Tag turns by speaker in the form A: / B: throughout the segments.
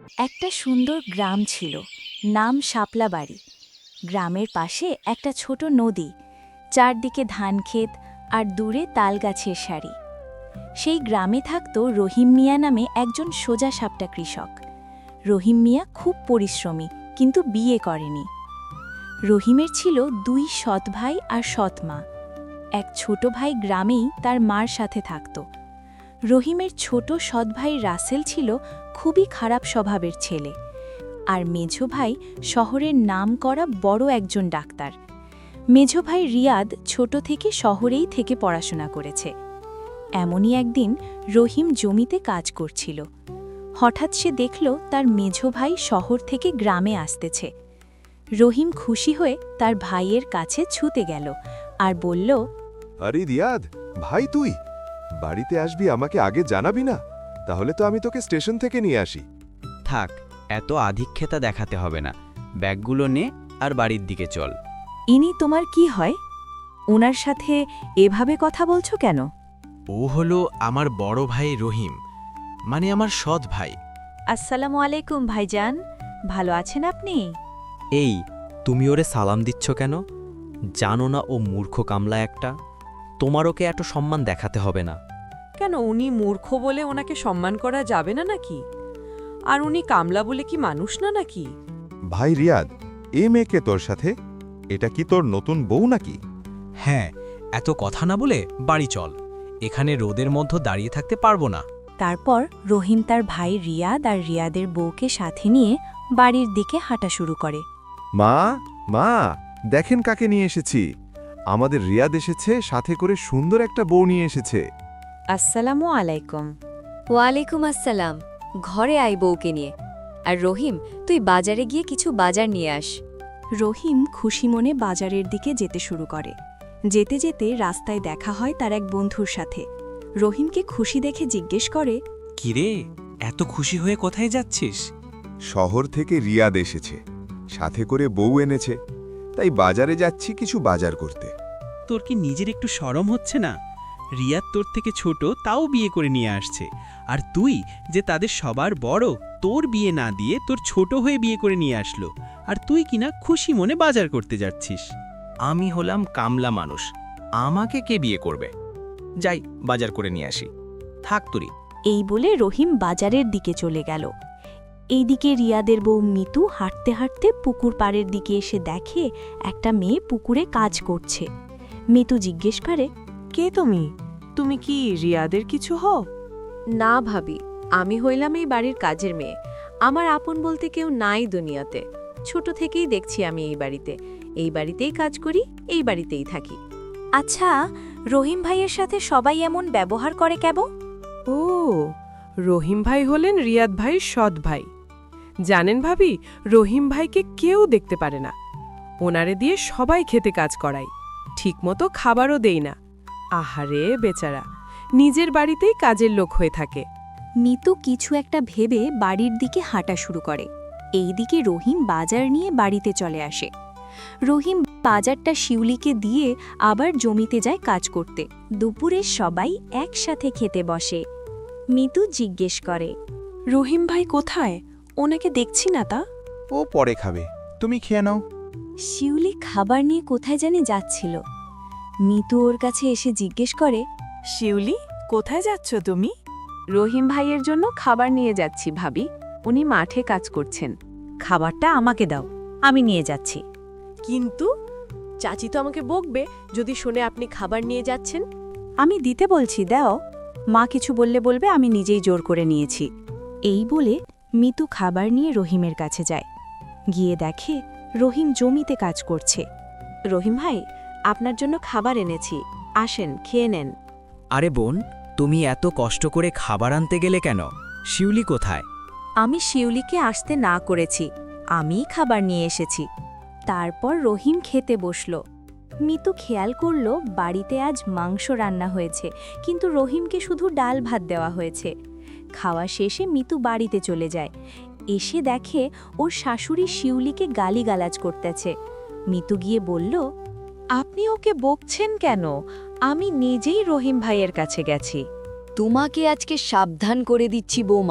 A: একটা সুন্দর গ্রাম ছিল, নাম শাপলা বাড়ি। গ্রামের পাশে একটা ছোট নদী, চারদিকে ধানক্ষেত আর দূরে তালগাছের সারি। সেই গ্রামে থাকত রহিম মিয়া নামে একজন সোজাসাপটা কৃষক। রহিম মিয়া খুব পরিশ্রমী, কিন্তু বিয়ে করেনি। রহিমের ছিল দুই সৎ ভাই আর সৎ মা। এক ছোট ভাই গ্রামেই তার মার সাথে থাকত। রহিমের ছোট সৎ ভাই রাসেল ছিল খুবই খারাপ স্বভাবের ছেলে, আর মেঝো ভাই শহরের নামকরা বড় একজন ডাক্তার। মেঝো ভাই রিয়াদ ছোট থেকে শহরেই থেকে পড়াশোনা করেছে। এমনই একদিন রহিম জমিতে কাজ করছিল। হঠাৎ সে দেখল তার মেঝো ভাই শহর থেকে গ্রামে আসতেছে। রহিম খুশি হয়ে তার ভাইয়ের কাছে ছুতে গেল আর বলল,
B: আরে রিয়াদ, ভাই তুই বাড়িতে আসবি, আমাকে আগে জানাবি না? তাহলে তো আমি তোকে স্টেশন থেকে নিয়ে আসি।
C: থাক, এত আধিক্যতা দেখাতে হবে না। ব্যাগগুলো নে আর বাড়ির দিকে চল।
A: ইনি তোমার কি হয়? ওনার সাথে এভাবে কথা বলছো কেন?
D: ও হলো আমার বড় ভাই রহিম, মানে আমার সৎ ভাই।
A: আসসালামু আলাইকুম ভাইজান, ভালো আছেন আপনি?
E: এই, তুমি ওরে সালাম দিচ্ছ কেন? জানো না ও মূর্খ কামলা একটা? তোমার ওকে এত সম্মান দেখাতে হবে না।
F: কেন, উনি মূর্খ বলে ওনাকে সম্মান করা যাবে না নাকি? আর উনি কামলা বলে কি মানুষ না নাকি?
B: ভাই রিয়াদ, এ মেয়েকে তোর সাথে? এটা কি তোর নতুন বউ নাকি?
D: হ্যাঁ, এত কথা না বলে বাড়ি চল। এখানে রোদের মধ্যে দাঁড়িয়ে থাকতে পারবো না।
A: তারপর রহিম তার ভাই রিয়াদ আর রিয়াদের বউকে সাথে নিয়ে বাড়ির দিকে হাঁটা শুরু করে।
B: মা, মা, দেখেন কাকে নিয়ে এসেছি। আমাদের রিয়াদ এসেছে, সাথে করে সুন্দর একটা বউ নিয়ে এসেছে।
A: আসসালামু আলাইকুম।
G: ওয়ালাইকুম আসসালাম। ঘরে আই বউকে নিয়ে। আর রহিম, তুই বাজারে গিয়ে কিছু বাজার নিয়ে আস।
A: রহিম খুশি মনে বাজারের দিকে যেতে শুরু করে। যেতে যেতে রাস্তায় দেখা হয় তার এক বন্ধুর সাথে। রহিমকে খুশি দেখে জিজ্ঞেস করে,
D: কিরে, এত খুশি হয়ে কোথায় যাচ্ছিস?
B: শহর থেকে রিয়াদ এসেছে, সাথে করে বউ এনেছে, তাই বাজারে যাচ্ছি কিছু বাজার করতে।
H: তোর কি নিজের একটু শরম হচ্ছে না? রিয়াদ তোর থেকে ছোট, তাও বিয়ে করে নিয়ে আসছে। আর তুই যে তাদের সবার বড়, তোর বিয়ে না দিয়ে তোর ছোট হয়ে বিয়ে করে নিয়ে আসলো। আর তুই কিনা খুশি মনে বাজার করতে যাচ্ছিস।
C: আমি হলাম কামলা মানুষ, আমাকে কে বিয়ে করবে? যাই বাজার করে নিয়ে আসি। থাক তুরি।
A: এই বলে রহিম বাজারের দিকে চলে গেল। এইদিকে রিয়াদের বউ মিতু হাঁটতে হাঁটতে পুকুর পাড়ের দিকে এসে দেখে একটা মেয়ে পুকুরে কাজ করছে। মিতু জিজ্ঞেস করে,
F: কে তুমি? তুমি কি রিয়াদের কিছু হও?
G: না ভাবি, আমি হইলাম এই বাড়ির কাজের মেয়ে। আমার আপন বলতে কেউ নাই দুনিয়াতে। ছোট থেকেই দেখছি আমি এই বাড়িতেই কাজ করি, এই বাড়িতেই থাকি।
A: আচ্ছা, রহিম ভাইয়ের সাথে সবাই এমন ব্যবহার করে কেন?
F: ও, রহিম ভাই হলেন রিয়াদ ভাইয়ের সৎ ভাই। জানেন ভাবি, রহিম ভাইকে কেউ দেখতে পারে না। ওনারে দিয়ে সবাই খেতে কাজ করাই, ঠিকমতো খাবারও দেই না। আহারে বেচারা, নিজের বাড়িতেই কাজের লোক হয়ে থাকে।
A: মিতু কিছু একটা ভেবে বাড়ির দিকে হাঁটা শুরু করে। এইদিকে রহিম বাজার নিয়ে বাড়িতে চলে আসে। রহিম বাজারটা শিউলিকে দিয়ে আবার জমিতে যায় কাজ করতে। দুপুরে সবাই একসাথে খেতে বসে। মিতু জিজ্ঞেস করে,
F: রহিম ভাই কোথায়? ওনাকে দেখছি না তা।
I: ও পরে খাবে, তুমি খেয়ে নাও।
A: শিউলি খাবার নিয়ে কোথায় জানি যাচ্ছিল। মিতু ওর কাছে এসে জিজ্ঞেস করে,
F: শিউলি, কোথায় যাচ্ছ তুমি?
G: রহিম ভাইয়ের জন্য খাবার নিয়ে যাচ্ছি ভাবি, উনি মাঠে কাজ করছেন।
A: খাবারটা আমাকে দাও, আমি নিয়ে যাচ্ছি।
F: কিন্তু চাচি তো আমাকে বকবে যদি শুনে আপনি খাবার নিয়ে যাচ্ছেন।
A: আমি দিতে বলছি, দাও। মা কিছু বললে বলবে আমি নিজেই জোর করে নিয়েছি। এই বলে মিতু খাবার নিয়ে রহিমের কাছে যায়। গিয়ে দেখে রহিম জমিতে কাজ করছে।
G: রহিম ভাই, আপনার জন্য খাবার এনেছি, আসেন খেয়ে নেন।
C: আরে বোন, তুমি এত কষ্ট করে খাবার আনতে গেলে কেন? শিউলি কোথায়?
A: আমি শিউলিকে আসতে না করেছি, আমিই খাবার নিয়ে এসেছি। তারপর রহিম খেতে বসল। মিতু খেয়াল করল বাড়িতে আজ মাংস রান্না হয়েছে, কিন্তু রহিমকে শুধু ডাল ভাত দেওয়া হয়েছে। খাওয়া শেষে মিতু বাড়িতে চলে যায়। এসে দেখে ওর শাশুড়ি শিউলিকে গালিগালাজ করতেছে। মিতু গিয়ে বলল,
G: আপনি ওকে বকছেন কেন? আমি নিজেই রহিম ভাইয়ের কাছে গেছি। তোমাকে আজকে সাবধান করে দিচ্ছি বৌমা,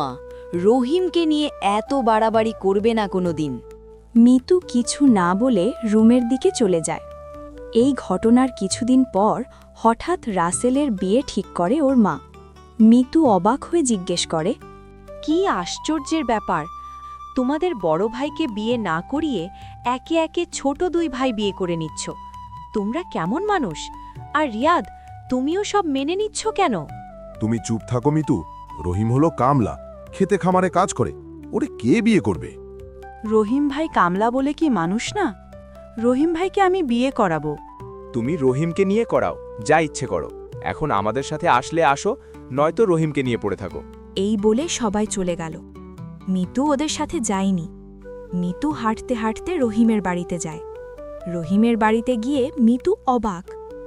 J: রহিমকে নিয়ে এত বাড়াবাড়ি করবে না কোনো দিন।
A: মিতু কিছু না বলে রুমের দিকে চলে যায়। এই ঘটনার কিছুদিন পর হঠাৎ রাসেলের বিয়ে ঠিক করে ওর মা। মিতু অবাক হয়ে জিজ্ঞেস করে,
G: কি আশ্চর্যের ব্যাপার! তোমাদের বড় ভাইকে বিয়ে না করিয়ে একে একে ছোট দুই ভাই বিয়ে করে নিচ্ছ। তোমরা কেমন মানুষ? আর রিয়াদ, তুমিও সব মেনে নিচ্ছ কেন?
B: তুমি চুপ থাকো মিতু। রহিম হলো কামলা, খেতে খামারে কাজ করে, ওরে কে বিয়ে করবে?
F: রহিম ভাই কামলা বলে কি মানুষ না? রহিম ভাইকে আমি বিয়ে করাবো।
C: তুমি রহিমকে নিয়ে করাও, যা ইচ্ছে করো। এখন আমাদের সাথে আসলে আসো, নয়তো রহিমকে নিয়ে পড়ে থাকো।
A: এই বলে সবাই চলে গেল। মিতু ওদের সাথে যায়নি। মিতু হাঁটতে হাঁটতে রহিমের বাড়িতে যায়। রহিমের বাড়িতে গিয়ে মিতু অবাক।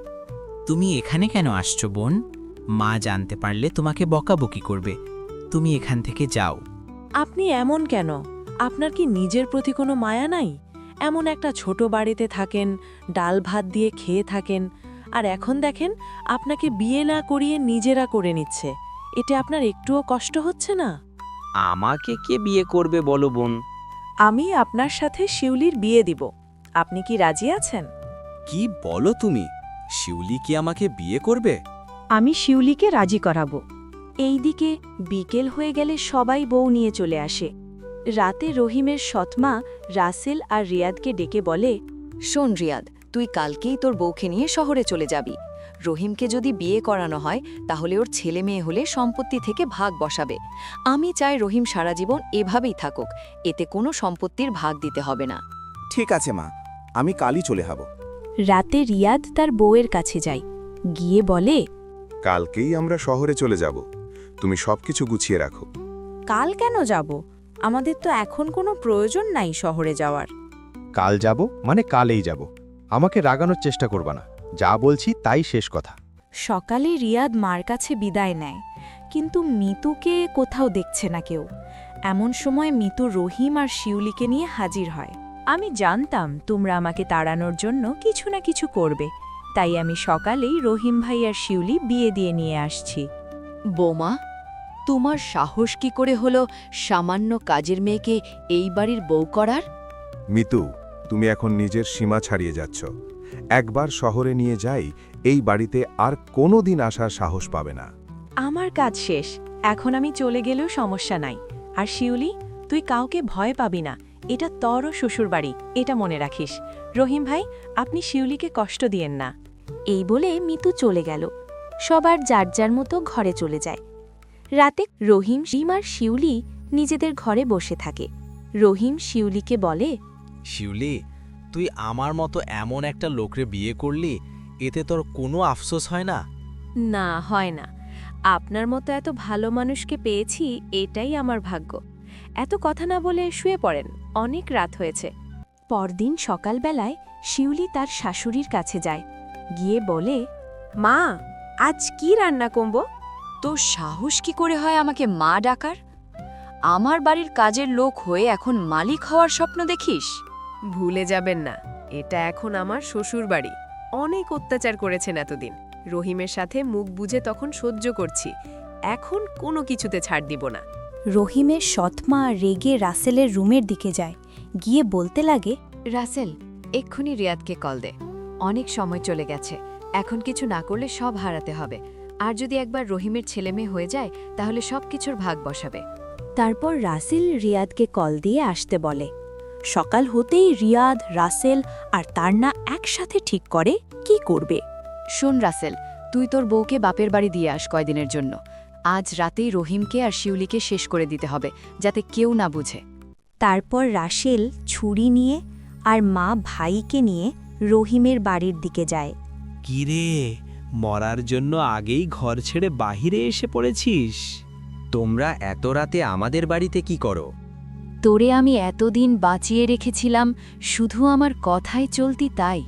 H: তুমি এখানে কেন আসছো বোন? মা জানতে পারলে তোমাকে বকাবকি করবে। তুমি এখান থেকে যাও।
F: আপনি এমন কেন? আপনার কি নিজের প্রতি কোনো মায়া নাই? এমন একটা ছোট বাড়িতে থাকেন, ডাল ভাত দিয়ে খেয়ে থাকেন, আর এখন দেখেন আপনাকে বিয়ে না করিয়ে নিজেরা করে নিচ্ছে। এতে আপনার একটুও কষ্ট হচ্ছে না?
C: আমাকে কে বিয়ে করবে বলো বোন?
F: আমি আপনার সাথে শিউলির বিয়ে দিব। আপনি কি রাজি আছেন?
D: কি বলো তুমি? শিউলি কি আমাকে বিয়ে করবে?
A: আমি শিউলিকে রাজি করাবো। এইদিকে বিকেল হয়ে গেলে সবাই বউ নিয়ে চলে আসে। রাতে রহিমের সৎমা রাসেল আর রিয়াদকে ডেকে বলে,
J: শোন রিয়াদ, তুই কালকেই তোর বউকে নিয়ে শহরে চলে যাবি। রহিমকে যদি বিয়ে করানো হয় তাহলে ওর ছেলে মেয়ে হলে সম্পত্তি থেকে ভাগ বসাবে। আমি চাই রহিম সারা জীবন এভাবেই থাকুক, এতে কোনো সম্পত্তির ভাগ দিতে হবে না।
I: ঠিক আছে মা, আমি কালই চলে যাব।
A: রাতে রিয়াদ তার বউয়ের কাছে যায়। গিয়ে বলে,
B: কালকেই আমরা শহরে চলে যাব, তুমি সবকিছু গুছিয়ে রাখো।
A: কাল কেন যাব? আমাদের তো এখন কোনো প্রয়োজন নাই শহরে যাওয়ার।
K: কাল যাব মানে কালেই যাব। আমাকে রাগানোর চেষ্টা করবা না, যা বলছি তাই শেষ কথা।
A: সকালে রিয়াদ মার কাছে বিদায় নেয়, কিন্তু মিতুকে কোথাও দেখছে না কেউ। এমন সময় মিতু রহিম আর শিউলিকে নিয়ে হাজির হয়। আমি জানতাম তোমরা আমাকে তাড়ানোর জন্য কিছু না কিছু করবে, তাই আমি সকালেই রহিম ভাই আর শিউলি বিয়ে দিয়ে নিয়ে আসছি।
J: বৌমা, তোমার সাহস কি করে হলো সামান্য কাজের মেয়েকে এই বাড়ির বউ করার?
B: মিতু, তুমি এখন নিজের সীমা ছাড়িয়ে যাচ্ছ। একবার শহরে নিয়ে যাই, এই বাড়িতে আর কোনো দিন আসার সাহস পাবে না।
F: আমার কাজ শেষ, এখন আমি চলে গেলেও সমস্যা নাই। আর শিউলি, তুই কাউকে ভয় পাবি না, এটা তোরও শ্বশুরবাড়ি, এটা মনে রাখিস। রহিম ভাই, আপনি শিউলিকে কষ্ট দিয়েন না।
A: এই বলে মিতু চলে গেল। সবার যার যার মতো ঘরে চলে যায়। রাতে রহিম আর শিউলি নিজেদের ঘরে বসে থাকে। রহিম শিউলিকে বলে,
D: শিউলি, তুই আমার মতো এমন একটা লোকরে বিয়ে করলি, এতে তোর কোনো আফসোস হয় না?
G: না, হয় না। আপনার মতো এত ভালো মানুষকে পেয়েছি, এটাই আমার ভাগ্য। এত কথা না বলে শুয়ে পড়েন, অনেক রাত হয়েছে।
A: পরদিন সকালবেলায় শিউলি তার শাশুড়ির কাছে যায়। গিয়ে বলে,
G: মা, আজ কি রান্না করব?
J: তোর সাহস কি করে হয় আমাকে মা ডাকার? আমার বাড়ির কাজের লোক হয়ে এখন মালিক হওয়ার স্বপ্ন দেখিস?
F: ভুলে যাবেন না, এটা এখন আমার শ্বশুর বাড়ি। অনেক অত্যাচার করেছেন এতদিন। রহিমের সাথে মুখ বুঝে তখন সহ্য করছি, এখন কোনো কিছুতে ছাড় দিব না।
A: রহিমের সৎমা রেগে রাসেলের রুমের দিকে যায়। গিয়ে বলতে লাগে,
J: রাসেল, এক্ষুনি রিয়াদকে কল দে। অনেক সময় চলে গেছে, এখন কিছু না করলে সব হারাতে হবে। আর যদি একবার রহিমের ছেলেমেয়ে হয়ে যায় তাহলে সব কিছুর ভাগ বসাবে।
A: তারপর রাসেল রিয়াদকে কল দিয়ে আসতে বলে। সকাল হতেই রিয়াদ, রাসেল আর তান্না একসাথে ঠিক করে কি করবে।
J: শোন রাসেল, তুই তোর বউকে বাপের বাড়ি দিয়ে আস কয়দিনের জন্য। আজ রাতেই রহিমকে আর শিউলিকে শেষ করে দিতে হবে, যাতে কেউ না বুঝে।
A: তারপর রাসেল ছুরি নিয়ে আর মা ভাইকে নিয়ে রহিমের বাড়ির দিকে যায়।
H: কিরে, মরার জন্য আগেই ঘর ছেড়ে বাহিরে এসে পড়েছিস?
E: তোমরা এত রাতে আমাদের বাড়িতে কি করো?
J: তোরে আমি এতদিন বাঁচিয়ে রেখেছিলাম শুধু আমার কথাই চলতি তাই।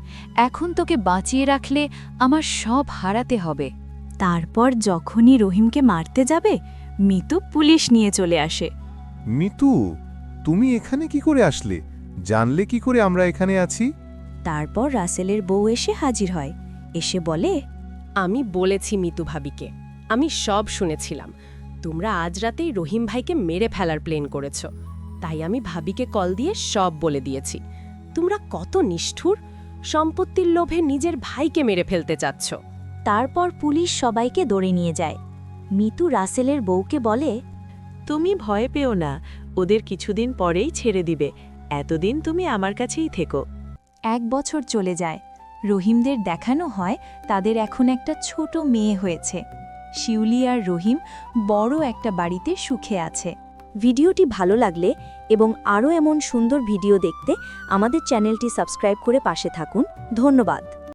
J: এখন তোকে বাঁচিয়ে রাখলে আমার সব হারাতে হবে।
A: তারপর যখনই রহিমকে মারতে যাবে, মিতু পুলিশ নিয়ে চলে আসে।
B: মিতু, তুমি এখানে কি করে আসলে? জানলে কি করে আমরা এখানে আছি?
A: তারপর রাসেলের বউ এসে হাজির হয়। এসে বলে,
F: আমি বলেছি মিতু ভাবিকে, আমি সব শুনেছিলাম। তোমরা আজ রাতেই রহিম ভাইকে মেরে ফেলার প্ল্যান করেছ, তাই আমি ভাবিকে কল দিয়ে সব বলে দিয়েছি। তোমরা কত নিষ্ঠুর, সম্পত্তির লোভে নিজের ভাইকে মেরে ফেলতে চাচ্ছ।
A: তারপর পুলিশ সবাইকে ধরে নিয়ে যায়। মিতু রাসেলের বউকে বলে,
L: তুমি ভয় পেও না, ওদের কিছুদিন পরেই ছেড়ে দিবে। এতদিন তুমি আমার কাছেই থেকো।
A: 1 বছর চলে যায়। রহিমদের দেখানো হয় তাদের এখন একটা ছোট মেয়ে হয়েছে। শিউলি আর রহিম বড় একটা বাড়িতে সুখে আছে। ভিডিওটি ভালো লাগলে এবং আরও এমন সুন্দর ভিডিও দেখতে আমাদের চ্যানেলটি সাবস্ক্রাইব করে পাশে থাকুন। ধন্যবাদ।